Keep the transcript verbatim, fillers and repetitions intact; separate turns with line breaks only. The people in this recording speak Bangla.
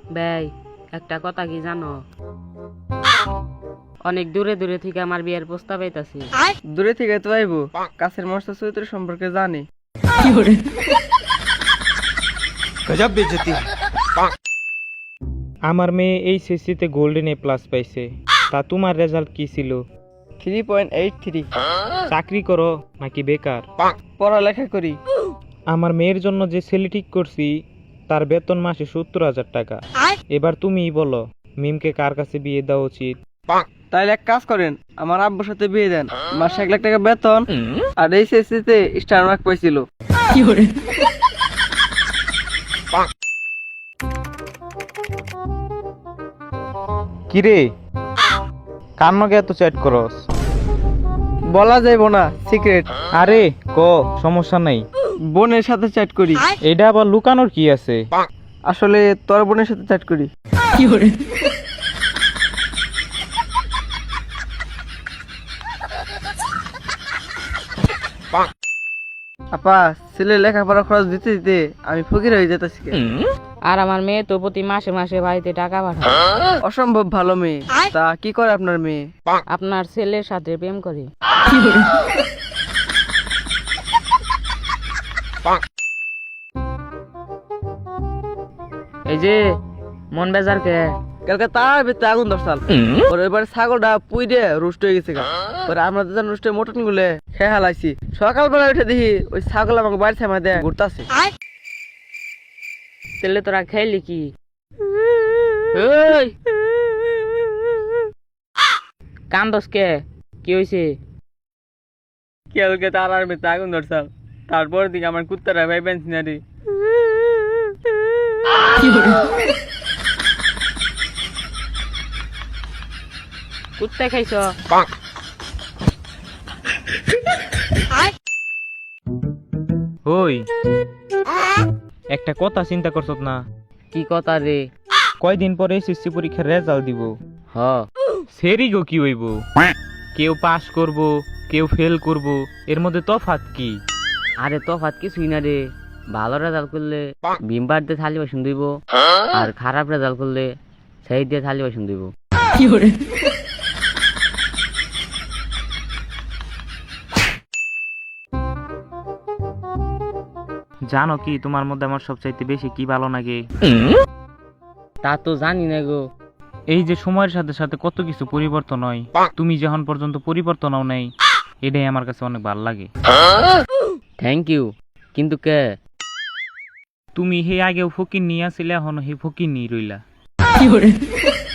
ভাই একটা কথা কি জানো, অনেক দূরে দূরে থেকে আমার বিয়ের প্রস্তাব আইতাছে।
দূরে থেকে তো আইবো, কাছের মস্ত চরিত্র সম্পর্কে জানি।
গজব বেজতি।
আমার মেয়ে এইচএসসিতে গোল্ডেন এ প্লাস পাইছে, তা তোমার রেজাল্ট কি ছিল?
Three point eight three.
চাকরি করো নাকি বেকার?
পড়ালেখা করি। আমার
মেয়ের জন্য যে ছেলে ঠিক করছি তার বেতন মাসে সত্তর হাজার টাকা। এবার তুমিই বলো মিমকে কার কাছে বিয়ে দেওয়া উচিত?
তাইলে এক কাজ করেন, আমার আব্বুর সাথে বিয়ে দেন। মাসে এক লাখ টাকা বেতন আর এইচএসসি তে স্টার মার্ক পাইছিল।
কিরে কান্নকে এত চ্যাট করস?
বলা যাইব না, সিক্রেট।
আরে ক, সমস্যা নাই।
বোনের সাথে চ্যাট করি।
এটা আবার লুকানোর কি আছে?
আসলে তোর বোনের সাথে চ্যাট করি। আপা, ছেলে লেখাপড়া খরচ দিতে দিতে আমি ফকির হয়ে যেতেছি।
আর আমার মেয়ে তো প্রতি মাসে মাসে বাড়িতে টাকা পাঠায়।
অসম্ভব ভালো মেয়ে। তা কি করে আপনার মেয়ে?
আপনার ছেলের সাথে প্রেম করে। এই যে মন বেজার কে?
কালকে তার ভিতরে আগুন ধরছাল। ওর এবার ছাগলটা পুই দিয়ে রুষ্ট হয়ে গেছে। ওরা আমরা দুজন রুস্টে মটন গুলে খেয়ে হালাইছি। সকালবেলা উঠে দেখি ওই ছাগল আমাকে বাড়ি ছামা দেয় ঘুরতাছে।
ছেলে তোরা খাইলি কি? ওই কান্দস কে? কি হয়েছে?
কালকে তার আর ভিতরে আগুন ধরছাল। তারপর দিকে আমার কুত্তারা ভাই পেন্সি না রে।
কুত্তা খাইছ?
ওই একটা কথা চিন্তা করছ না?
কি কথা রে?
কয়দিন পরে এসএসসি পরীক্ষার রেজাল্ট দিব।
হ,
সেরি গো কি হইব? কেউ পাস করব, কেউ ফেল করব, এর মধ্যে তফাৎ কি?
আরে তফাৎ কিছুই না রে। ভালো রেজাল্ট করলে ভিমবার দিয়ে থালি বাসন দিব, আর খারাপ রেজাল্ট করলে সেই দিয়ে থালি বাসন দিব।
জানো কি তোমার মধ্যে আমার সবচাইতে বেশি কি ভালো লাগে?
তা তো জানি না গো।
এই যে সময়ের সাথে সাথে কত কিছু পরিবর্তন হয়, তুমি যখন পর্যন্ত পরিবর্তন হও নাই, এটাই আমার কাছে অনেক ভালো লাগে।
Thank you. কিন্তু কে?
তুমি হে আগেও ফকির নিয়ে আসলে এখন হে ফকির নিয়ে রইলা।